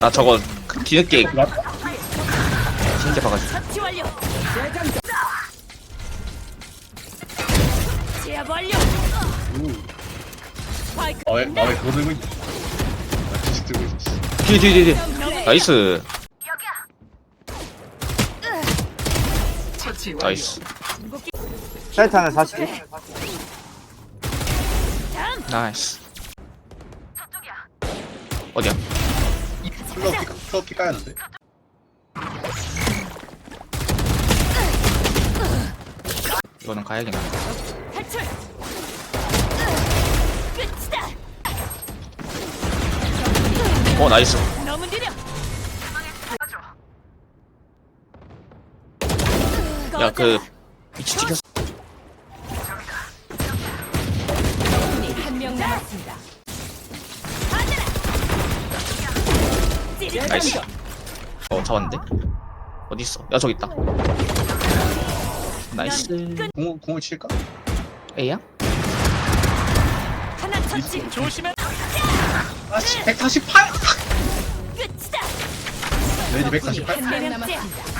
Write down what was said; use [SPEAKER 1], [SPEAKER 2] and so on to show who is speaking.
[SPEAKER 1] 나 저거 뒤늦게
[SPEAKER 2] 나
[SPEAKER 1] 진짜 봐가지고.
[SPEAKER 3] 처치 완료. 제압 완료. 스파이크.
[SPEAKER 2] 왜 그거 들고 있냐? 나 지식 들고 있었어.
[SPEAKER 1] 뒤. 나이스. 나이스.
[SPEAKER 4] 사이트 하나 42.
[SPEAKER 1] 나이스. 어디야?
[SPEAKER 2] 플러피 까였는데?
[SPEAKER 1] 이거는 가야겠나?
[SPEAKER 3] 탈출. 끝이다.
[SPEAKER 1] 나이스.
[SPEAKER 3] 너무 느려.
[SPEAKER 1] 야, 그 위치 찍혔어.
[SPEAKER 3] 한명 남았습니다.
[SPEAKER 1] 나이스. 잡았는데? 어디 있어? 야, 저기 있다. 나이스.
[SPEAKER 2] 공을 칠까?
[SPEAKER 1] A야?
[SPEAKER 3] 하나 처치. 조심해.
[SPEAKER 2] 아씨 148!
[SPEAKER 3] 끝이다.
[SPEAKER 2] 레디 148?
[SPEAKER 3] 한명 남았습니다.